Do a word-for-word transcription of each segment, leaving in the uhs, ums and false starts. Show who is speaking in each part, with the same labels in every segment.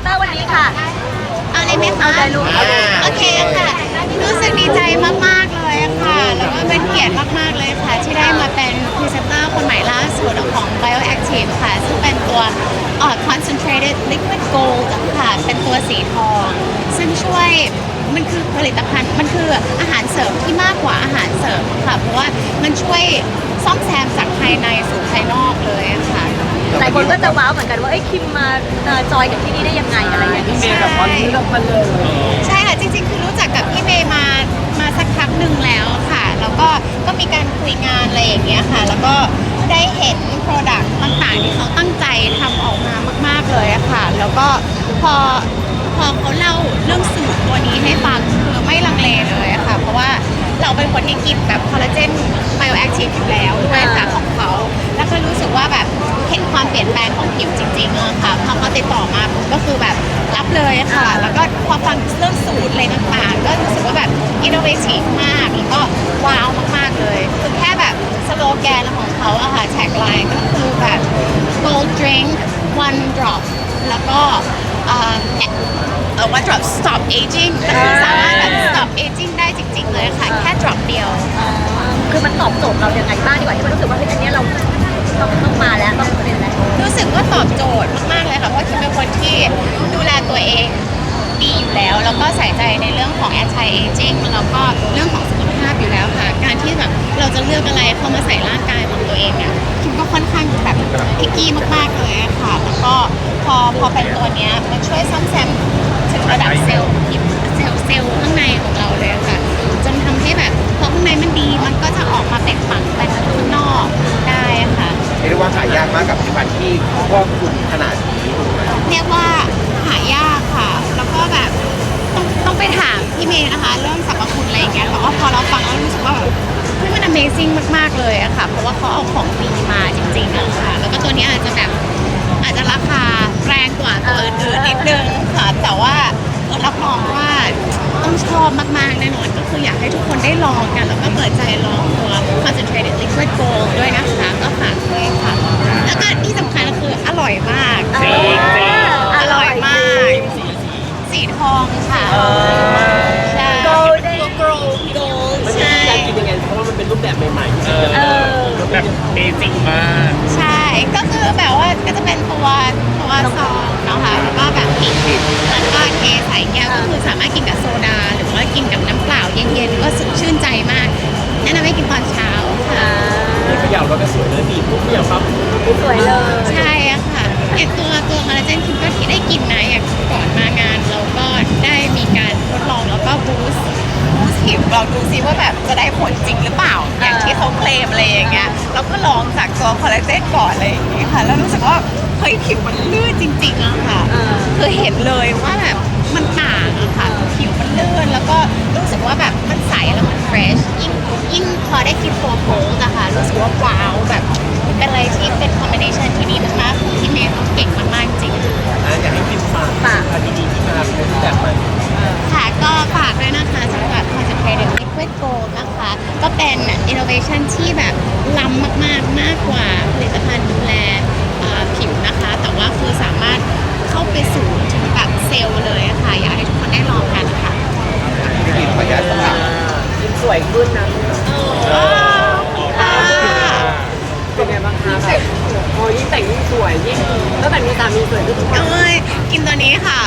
Speaker 1: เตอร์วันนี้ค่ะ
Speaker 2: เอาเลยไหมคะ
Speaker 1: เอาเลยลูก
Speaker 2: โอเคค่ะรู้สึกดีใจมากๆเลยค่ะแล้วก็เป็นเกียรติมากๆเลยค่ะที่ได้มาเป็นพรีเซนเตอร์คนใหม่ล่าสุดของ Bioactive ค่ะซึ่งเป็นตัวเอ่อ concentrated liquid gold ค่ะเป็นตัวสีทอง ซึ่งช่วยมันคือผลิตภัณฑ์มันคืออาหารเสริมที่มากกว่าอาหารเสริมค่ะเพราะว่ามันช่วยซ่อมแซมจากภายในสู่ภายนอกเลยค่ะ
Speaker 1: หลายคนก็จะว้าวเหมือนกันว่าไอ้ยคิมมาเอ่อจอยกับที่นี่ได้ยังไงอะไรอย่างเงี้ย
Speaker 2: ใช่ใช่ค่ะจริงๆคือรู้จักกับพี่เมย์มามาสักพักหนึ่งแล้วค่ะแล้วก็ก็มีการคุยงานอะไรอย่างเงี้ยค่ะแล้วก็ได้เห็น Product ต่างๆที่เขาตั้งใจทำออกมามากๆเลยอะค่ะแล้วก็พอพอเขาเล่าเรื่องสูตรตัวนี้ให้ฟังคือไม่ลังเลเลยอะค่ะเพราะว่าเราเป็นคนที่กินแบบคอลลาเจนไบโอแอคทีฟอยู่แล้วด้วยค่ะของเขาแล้วก็รู้สึกว่าแบบเห็นความเปลี่ยนแปลงของผิวจริงๆอะค่ะพอเขาติดต่อมาผมก็คือแบบรับเลยค่ะ แล้วก็พอฟังเรื่องสูตรอะไรต่างๆก็รู้สึกว่าแบบอินโนเวทีฟมากแล้วก็ว้าวมากๆเลยคือแค่แบบสโลแกนของเขาอะค่ะแท็กไลน์ก็คือแบบ gold drink one drop แล้วก็เอ่อเอ่อ one drop stop aging ก็คือสามารถแบบ stop aging ได้จริงๆเลยค่ะแค่ drop เดียว
Speaker 1: คือมันตอบโจทย์เรายังไงบ้างดีกว่าที่มันรู้สึกว่าเฮ้ยอันเนี้ยเราต้องต้องมาแล้วต้องเป็นแล้ว
Speaker 2: รู้สึกว่าตอบโจทย์มากๆเลยค่ะเพราะคิมเป็นคนที่ดูแลตัวเองดีอยู่แล้วแล้วก็ใส่ใจในเรื่องของ anti aging แล้วก็เรื่องของสุขภาพอยู่แล้วค่ะการที่แบบเราจะเลือกอะไรเข้ามาใส่ร่างกายของตัวเองเนี่ยคิมก็ค่อนข้างแบบพิกกี้มากๆเลยอะค่ะแล้วก็พอพอเป็นตัวเนี้ยมันช่วยซ่อมแซมถึงระดับเซลล์ผิวเซลล์เซลล์ข้างในของเราเลยอะค่ะจนทำให้แบบพอข้างในมันดีมันก็จะออกมาเป็นฝังไปข้างนอกได้อะค่ะ
Speaker 3: เรียกว่าหายากมากกับผลิตภัณฑ์ที่ครอบคลุมขนาดนี้
Speaker 2: เรียกว่าหายากค่ะ แล้วก็แบบต้องต้องไปถามพี่เมย์นะคะ เรื่องสรรพคุณอะไรอย่างเงี้ยแต่ว่าพอเราฟังแล้วรู้สึกว่าแบบเฮ้ยมัน Amazing มากๆเลยอะค่ะ เพราะว่าเขาเอาของดีมาจริงๆอะค่ะ แล้วก็ตัวเนี้ยอาจจะแบบอาจจะราคาแรงกว่าตัวอื่นๆนิดนึงค่ะ แต่ว่ารับรองว่าต้องชอบมากๆแน่นอนก็คืออยากให้ทุกคนได้ลองกัน แล้วก็เปิดใจลองตัว concentrated liquid gold ด้วยนะคะก็ฝากด้วยค่ะ แล้วก็ที่สำคัญก็คืออร่อยมาก
Speaker 1: จริงจริง
Speaker 2: อร่อยมาก สีทองค่ะใช่
Speaker 1: โกลเด้น
Speaker 2: โกลโกลใช่
Speaker 4: กินยังไงเพราะว่ามันเป็นรูปแบบใหม่ๆ
Speaker 1: เออ
Speaker 4: แบบเบสิกมาก
Speaker 2: ใช่ ก็คือแบบว่าก็จะเป็นตัวตัวซองเนาะค่ะแล้วก็แบบปิดแล้วก็เทใส่แก้วก็คือสามารถกินกับโซดา หรือว่ากินกับน้ำเปล่าเย็นๆก็สดชื่นใจมากแนะนำให้กินตอนเช้าค่ะ
Speaker 4: เขย่าเราก็สวยเลยบีบปุ๊บเขย่าปั๊บ
Speaker 1: สวยเลย
Speaker 2: ใช่อะค่ะอย่างตัวตัวคอลลาเจนคิมก็ได้กินนะอย่างก่อนมางานเราก็ได้มีการทดลองแล้วก็บูสต์บูสต์ผิวเราดูซิว่าแบบจะได้ผลจริงหรือเปล่า อย่างที่เขาเคลมอะไรอย่างเงี้ยเราก็ลองจากตัวคอลลาเจนก่อนอะไรอย่างเงี้ยค่ะแล้วรู้สึกว่าเฮ้ยผิวมันลื่นจริงๆอะค่ะคือเห็นเลยว่าแบบมันต่างอะค่ะผิวมันลื่นแล้วก็รู้สึกว่าแบบมันใสแล้วมันเฟรชยิ่งยิ่งพอได้กินตัวโพสอะค่ะรู้สึกว่าว้าวแบบเป็นอะไรที่เป็นคอมบิเนชันที่ดีมากๆที่เมย์เขาเก่งมากๆจริง
Speaker 4: อ่ะอยากให้กินฝาก
Speaker 1: ฝาก
Speaker 4: อันดีๆที่มาเป็นรูปแบบใหม่
Speaker 2: ค่ะก็ฝากด้วยนะคะสำหรับ concentrated liquid gold นะคะ ก็เป็น innovation ที่แบบล้ำมากๆ มากกว่าผลิตภัณฑ์ดูแลเอ่อผิวนะคะ แต่ว่าคือสามารถเข้าไปสู่ถึงแบบเซลล์เลยอะค่ะ อยากให้ทุกคนได้ลองกันค่ะ
Speaker 3: ที่กินขออนุญาตถาม
Speaker 4: กินสวยขึ้นนะ
Speaker 2: ว้าวค่ะ
Speaker 4: เป็นไงบ้างคะแบบโอ้ยิ่งแต่งยิ่งสวยยิ่งตั้งแต่มีสามีสวยขึ้นทุกวัน
Speaker 2: เอ้ยกินตัวนี้ค่ะ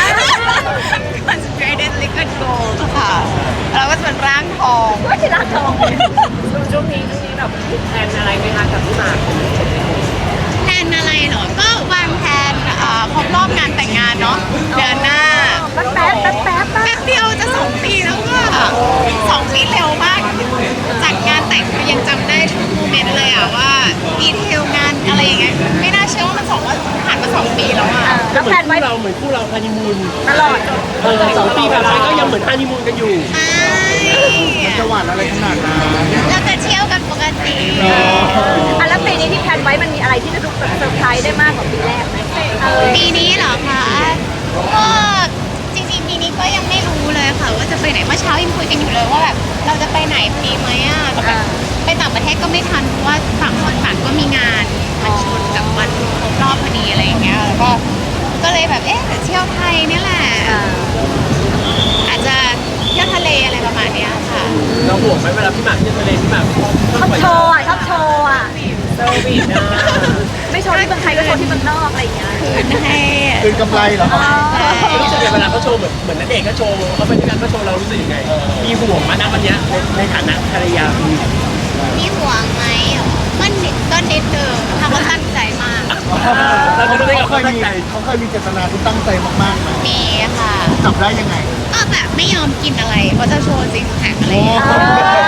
Speaker 2: concentrated liquid gold ค่ะแล้วก็จะเป็นร่างทอง
Speaker 1: ว่าที่ร้านทอง
Speaker 4: ช่วงนี้ช่วงนี้แบบแพลนอะไรไหมคะกับพี่หมาก
Speaker 2: แผนอะไรเหรอ ก็วางแผนเอ่อครบรอบงานแต่งงานเนาะเดือนหน้า
Speaker 1: แป๊บแป๊บแป๊บแป๊บ
Speaker 2: แป๊บเดียวจะสองปีแล้วค่ะสองปีเร็วมากจัดงานแต่งก็ยังจำได้ทุกโมเมนต์เลยอะว่าดีเทลงานอะไรอย่างเงี้ยไม่น่าเชื่อว่ามันสองว่าผ่านมาสองปีแล้วอะ
Speaker 1: แล้วแพลนไว้
Speaker 4: เราเหมือนคู่เราฮันนีมูน
Speaker 1: ตลอด
Speaker 4: เออสองปีผ่านไปก็ยังเหมือนฮันนีมูนกันอยู่
Speaker 2: ใช่
Speaker 3: จะหวานอะไรขนาดนั้น
Speaker 2: เราจะเที่ยวกันปกติ
Speaker 1: อ่ะแล้วปีนี้ที่แพลนไว้มันมีอะไรที่จะรู้สึกเซอร์ไพรส์ได้มากกว่าปีแรกไหมเออ
Speaker 2: ปีนี้เหรอคะก็จริงๆปีนี้ก็ยังไม่รู้เลยค่ะว่าจะไปไหนเมื่อเช้ายังคุยกันอยู่เลยว่าแบบเราจะไปไหนดีไหมอะแต่แบบไปต่างประเทศก็ไม่ทันเพราะว่าต่างคนต่างก็มีงานมันชนกับวันครบรอบพอดีอะไรอย่างเงี้ยแล้วก็ก็เลยแบบแบบเอ๊ะเที่ยวไทยเนี่ยแหละ
Speaker 1: อ่า
Speaker 2: อาจจะเที่ยวทะเลอะไรประมาณเนี้ยค่ะ
Speaker 4: เราห่วงไหมเวลาพี่หมากเที่ยวทะเลพี่หมาก
Speaker 1: ชอบโชว์อ่ะชอบโชว์อ่ะ
Speaker 4: เซอร์วิสนะ
Speaker 1: ไม่โชว์ที่เมืองไทยก็โชว์ที่เมืองนอกอะไรอย่างเงี้ย
Speaker 2: คืนให้
Speaker 3: คืนกำไรเหรอครับ
Speaker 2: ใช่
Speaker 4: รู้สึกยังไงเวลาเขาโชว์เหมือนเหมือนนักเอกก็โชว์เขาไปด้วยกันก็โชว์เรารู้สึกยังไงมีห่วงมาณวันเนี้ยในในฐานะภรรยาคุณ
Speaker 2: มีห่วงไหมก็นิดก็นิดนึงทำว่าตั้งใจมาก
Speaker 4: เราจะรู้ได้
Speaker 3: เขา
Speaker 4: กับ
Speaker 3: เค
Speaker 4: เขา
Speaker 3: ย
Speaker 4: ตั้ง
Speaker 3: มี
Speaker 4: ใจ
Speaker 3: เขาเคยมีเจตนาที่ตั้งใจมากๆไหม
Speaker 2: มีค่ะ
Speaker 3: จับได้ยังไง
Speaker 2: ก็แบบไม่ยอมกินอะไรเพราะจะโชว์ซิกแพคอะไรอย่างเงี้ย
Speaker 3: อ๋อ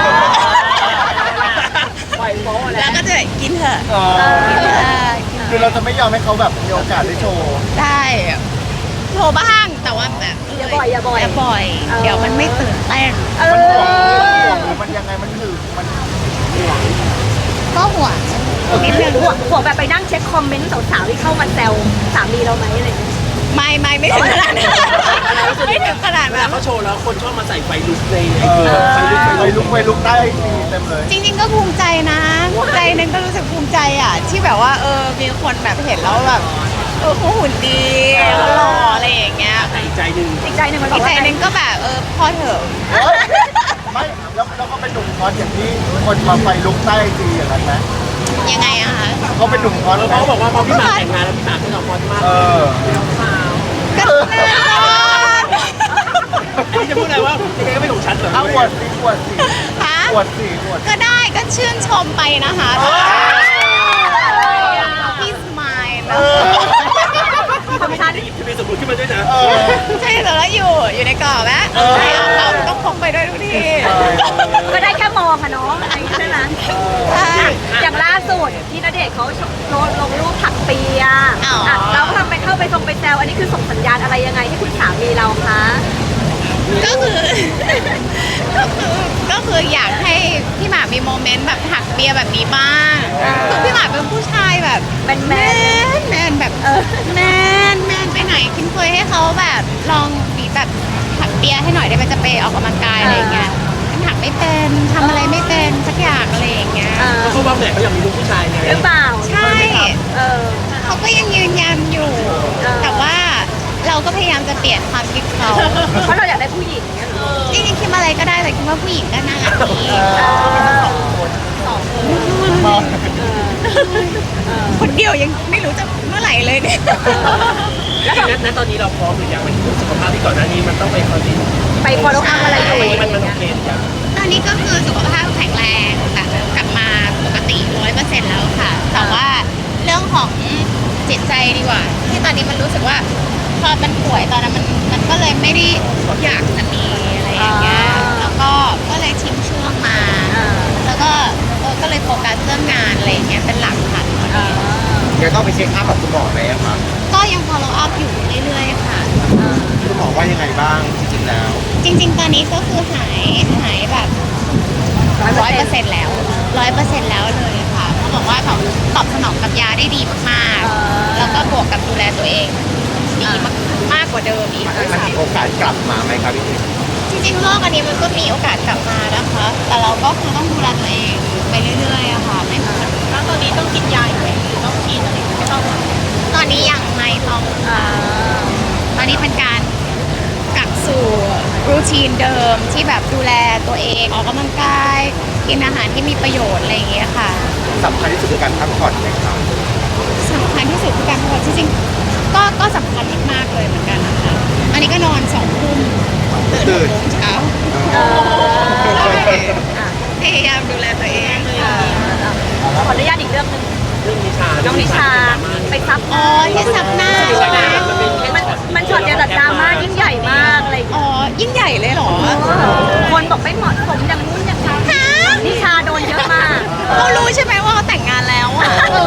Speaker 4: ปล่อยโป๊ะแล้
Speaker 2: แล้ว วก็จะกินเถอะ
Speaker 3: อ๋อ
Speaker 2: กินเถอะกินเถ
Speaker 3: คือ
Speaker 2: อะ
Speaker 3: เราจะไม่ยอมให้เขาแบบมีโอกาสได้โชว์
Speaker 2: ได้โชว์บ้างแต่ว่าแบบ
Speaker 1: อย่าบ่อยอย่าบ่อย
Speaker 2: อย่าบ่อย
Speaker 1: เออ
Speaker 2: เดี๋ยวมันไม่ตื่นเต้น
Speaker 1: เอ
Speaker 3: มันห่วง
Speaker 1: อ
Speaker 3: ห่วงหรือมันยังไงมันหึงมัน
Speaker 2: ก็ห่วงนิดนึง
Speaker 1: ห่วงห่วงแบบไปนั่งเช็คคอมเมนต์สาวๆที่เข้ามาแซวสามีเราไหมอะไรอย่างเงี้ย
Speaker 2: ไม่ไม่ไม่ถึงขนาดนั้นไม่ถึงขนาด
Speaker 4: เว
Speaker 2: นั้
Speaker 4: ลาน เขาโชว์แล้วคนชอบมาใส่ไฟลุกในไอ
Speaker 3: เอ
Speaker 4: จี
Speaker 3: อ
Speaker 4: ไฟลุกไฟ
Speaker 3: ไป
Speaker 4: ลุ
Speaker 3: ลุ
Speaker 4: ก
Speaker 3: กไปลุกได้ดีเต็มเลย
Speaker 2: จริงๆก็ภูมิใจนะใจหนึงก็รู้สึกภูมิใจอ่ะ ที่แบบว่าเออมีคนแบบเห็นแล้วแบบเออเขาหุ่นดีเขาหล่ออะไรอย่างเงี้ย
Speaker 4: แต่อีกใจหนึ่ง
Speaker 1: อีกใจหนึ่งมันบ
Speaker 2: อี
Speaker 1: อก
Speaker 2: กใจ
Speaker 1: ว่า
Speaker 2: หนึงก็แบบเออพอเถอะ
Speaker 3: เฮ้ยไม่แล้วแล้วเขาเป็นหนุ่มคอสอย่างที่คนมาไฟลุกใต้จีอย่างนั้นไหม
Speaker 2: ยังไงอะคะ
Speaker 3: เขาเป็นหนุ่มคอส
Speaker 4: แล้ว
Speaker 3: ไหม
Speaker 4: เขาบอกว่าพอพี่หมากแต่งงานแล้วพี่หมากก็ยอมพอดมาก
Speaker 3: เออ
Speaker 2: ก็แน่นอน
Speaker 4: อันนี้จะพูดอะไรว่ายังไงก็ไม่ถูกชัดเหรอ
Speaker 3: เอาอวดสิอวดสิ
Speaker 2: ฮะ
Speaker 3: อวดสิอวด
Speaker 2: ก็ได้ก็ชื่นชมไปนะคะ
Speaker 3: เออ
Speaker 2: พี่สมายนะ
Speaker 3: เออ
Speaker 1: ของฉัน
Speaker 4: หยิบทะเบียนสมรสขึ้นมาด้วยนะ
Speaker 3: เออ
Speaker 2: ใช่แต่แล้วอยู่อยู่ในกรอบนะ
Speaker 3: เออ
Speaker 2: ใช่เอาเอาต้องพกไปด้วยทุกที
Speaker 3: เออ
Speaker 1: ก็ได้แค่มองอะเนาะอะไรอย่างเงี้ยใช่ไหม
Speaker 2: ใช่
Speaker 1: อย่างล่าสุดที่ณเดชน์เขาลงลงรูปถักเปีย
Speaker 2: อ๋ออ่
Speaker 1: ะเราก็ทำไปเข้าไปทรงไปแซวอันนี้คือส่งสัญญาณอะไรยังไงให้คุณสามีเราคะ
Speaker 2: ก็คือ ก็คือก็คืออยากให้พี่หมากมีโมเมนต์แบบถักเปียแบบนี้บ้างคือพี่หมากเป็นผู้ชายแบบ
Speaker 1: แมนแม
Speaker 2: แม
Speaker 1: น
Speaker 2: นแมนแบบเออแมนแมนไปไหนคิมเคยให้เขาแบบลองมีแบบถักเปียให้หน่อยได้ไหมจะไปออกกำลังกายอะไรอย่างเงี้ยมันถักไม่เป็นทำอะไรไม่เป็นสักอย่างอะไรอย่างเงี้ย
Speaker 1: เออ
Speaker 4: เขาบอกไหนเขาอยากมีลูกผู้ชายไง
Speaker 1: หรือเปล่า
Speaker 2: ใช่
Speaker 1: เออ
Speaker 2: เขาก็ยังยืนยันอยู่
Speaker 1: เออ
Speaker 2: แต่ว่าเราก็พยายามจะเปลี่ยนความคิดเขา
Speaker 1: เพราะเราอยากได้ผู้หญิงเนี่ยเหรอ
Speaker 2: จริงๆคิดอะไรก็ได้แต่คิดว่าผู้หญิงก็น่ารักดี
Speaker 3: เอ
Speaker 1: เอ
Speaker 3: อ
Speaker 1: อ
Speaker 3: มอง
Speaker 2: คนเดียวยังไม่รู้จะเมื่อไหร่เลยเนี่ย
Speaker 4: แล้วณตอนนี้เราพร้อมหรือยังมันสุขภาพที่ก่อนหน้านี้มันต้องไปคอนดิน
Speaker 1: ไป follow up อะไรอยู่
Speaker 4: มัน
Speaker 1: อะไร
Speaker 4: มัน
Speaker 1: อย่าง
Speaker 4: โอ
Speaker 1: เงี้ย
Speaker 4: เคหรือยัง
Speaker 2: ตอนนี้ก็คือสุขภาพแข็งแรงแบบกลับมาปกติร้อยเปอร์เซ็นต์แล้วค่ะ แต่ว่าเรื่องของจิตใจดีกว่า ที่ตอนนี้มันรู้สึกว่าพอมันป่วยตอนนั้นมันมันก็เลยไม่ได้อยากจะมีอะไรอย่างเงี้ยแล้วก็ก็เลยทิ้งช่วงมา
Speaker 1: เออ
Speaker 2: แล้วก็เออก็เลยโฟกัสเรื่องงานอะไรอย่างเงี้ยเป็นหลักค่ะตอน
Speaker 1: เอ
Speaker 2: นี้
Speaker 1: อ
Speaker 3: ยังต้องไปเช็คอัพกับคุณหมอไหมอะครับ
Speaker 2: ก็ยัง follow up อยู่เรื่อยๆค่ะ
Speaker 3: คุณหมอว่ายังไงบ้างจริงๆแล้ว
Speaker 2: จริง ๆ ตอนนี้ก็คือหายหายแบบร้อยเปอร์เซ็นต์แล้วร้อยเปอร์เซ็นต์แล้วเลยค่ะเขาบอกว่าตอบตอบสนองกับยาได้ดีมาก
Speaker 1: เออ
Speaker 2: ๆ แล้วก็บวกกับดูแลตัวเองดีมากมากกว่าเดิมอีกด้วย
Speaker 3: มัน
Speaker 2: ซ้
Speaker 3: มีโอกาสกลับมาไหมครับพี่ทิพย์
Speaker 2: ำจริงๆโรคอันนี้มันก็มีโอกาสกลับมานะคะ แต่เราก็คือต้องดูแลตัวเองไปเรื่อยๆอะค่ะไม่ควรแล้วตอนนี้ต้องกินยาอยู่ไหมหรือต้องกินอะไรไม่ต้องตอนนี้ยังไม่ต้อง
Speaker 1: อ่า
Speaker 2: ตอนนี้เป็นการกลับสู่รูทีนเดิมที่แบบดูแลตัวเองออกกำลังกาย กินอาหารที่มีประโยชน์อะไรอย่างเงี้ยค่ะ
Speaker 3: สำคัญที่สุดคือการพักผ่อนไหมครับ
Speaker 2: สำคัญที่สุดคือการพักผ่อนจริงๆก็ก็สำคัญมากๆเลยเหมือนกันนะคะอันนี้ก็นอนสองทุ่มตื่นหกโมงเช้า
Speaker 1: เออ
Speaker 2: ใช่
Speaker 1: อ่ะ
Speaker 2: พยายามดูแลตัวเอง
Speaker 1: เออขออนุญาตอีกเรื่องหนึ่ง
Speaker 4: เรื่องนิชา
Speaker 1: น้องนิชาไปซับห
Speaker 2: อ๋อ
Speaker 1: น้า
Speaker 2: ที่ซับหน้าใช่ไหม
Speaker 1: มันมันช็อตเดียวแต่ดราม่ายิ่งใหญ่มากอะไรอย่าง
Speaker 2: อ๋
Speaker 1: เงี้ย
Speaker 2: อยิ่งใหญ่เลยเหรอ
Speaker 1: คนบอกไม่เหมาะสมอย่างนู้นอย่างนี้
Speaker 2: ฮะ
Speaker 1: นิชาโดนเยอะมาก
Speaker 2: เขารู้ใช่ไหมว่าเขาแต่งงานแล้วอ่ะ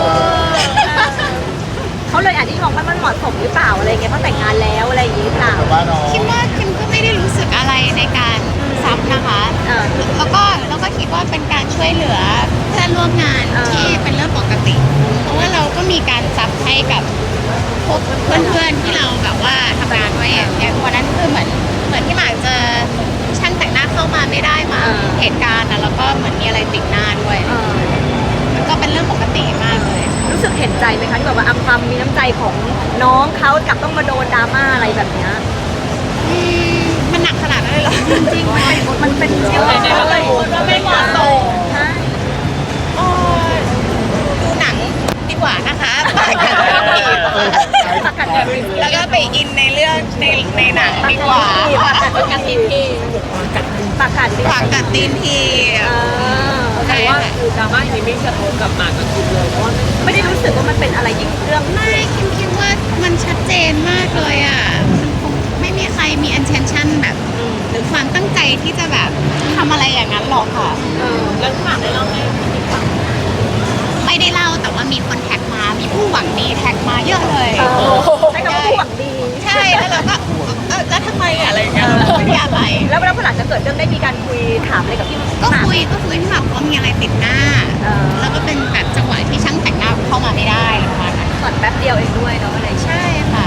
Speaker 1: เขาเลยอาจจะมองว่ามันเหมาะสมหรือเปล่าอะไรเงี้ยเพราะแต่งงานแล้วอะไรอย่างงี้หรือเปล่า
Speaker 3: แต่ว่าน้อง
Speaker 2: คิดว่าคิมก็ไม่ได้รู้สึกอะไรในการซับนะคะ
Speaker 1: เออ
Speaker 2: แล้วก็แล้วก็คิดว่าเป็นการช่วยเหลือเพื่อนร่วมงาน
Speaker 1: เออ
Speaker 2: ที่เป็นเรื่องปกติ เพราะว่าเราก็มีการซับให้กับพวกเพื่อนๆที่เราแบบว่าทำงานด้วยอย่างอย่างวันนั้นคือเหมือนเหมือนที่หมากเจอช่างแต่งหน้าเข้ามาไม่ได้มาเหตุการณ์นะแล้วก็เหมือนมีอะไรติดหน้าด้วย
Speaker 1: เออ
Speaker 2: มันก็เป็นเรื่องปกติมากเลยค่ะ
Speaker 1: รู้สึกเห็นใจไหมคะที่แบบว่าอ่ะความมีน้ำใจของน้องเขากลับต้องมาโดนดราม่าอะไรแบบเนี้ย
Speaker 2: อืมมันหนักขนาดนั้นเลยเหรอ
Speaker 1: จริงๆมันเป็นมันเป็นเชื่อเลยว่าไม่เหมาะสมใช่
Speaker 2: โอ้ยดูหนังดีกว่านะคะปากกัดตีน
Speaker 1: ปากกัดแบบนี้
Speaker 2: แล้วก็ไปอินในเรื่องในในหนังดีกว่า
Speaker 1: ปากกัดตีนทีปากกัด
Speaker 2: ปากกัดตีนที
Speaker 1: เออ
Speaker 2: ใช่
Speaker 1: แต่ว่า
Speaker 2: ค่ะ
Speaker 4: คือดราม่านี้ไม่กระทบกับหมากกับคิมเลยเพราะว่า
Speaker 1: ไม่ได้รู้สึกว่ามันเป็นอะไรยิ่งเรื่อง
Speaker 2: ไม่คิมคิดว่ามันชัดเจนมากเลยอ่ะมันคงไม่มีใครมี intention แบบ หรือความตั้งใจที่จะแบบทำอะไรอย่างนั้นหรอกค่ะ
Speaker 1: เออแล้วหมากได้เล่าให้พี่ฟัง
Speaker 2: ไม่ได้เล่าแต่ว่ามีคนแท็กมา มีผู้หวังดีแท็กมาเยอะเลย
Speaker 1: ใช้คำว่าผู้หวังดี
Speaker 2: ใช่แล้วเราก็เออแล้วทำไมอะอะไรอย่างเงี้ยเราไม่ได้อะไร
Speaker 1: แล้วแล้วพอหลังจากเกิดเรื่องได้มีการคุยถามอะไรกับพี่
Speaker 2: ก็
Speaker 1: หมาก
Speaker 2: คุยก็คุยที่แบบว่ามีอะไรติดหน้า
Speaker 1: เออ
Speaker 2: แล้วก็เป็นแบบจังหวะที่ช่างแต่งหน้าเข้ามาไม่ได้ประมาณนั้น
Speaker 1: ก่อนแป๊บเดียวเองด้วยเนาะอะไร
Speaker 2: ใช่ค่ะ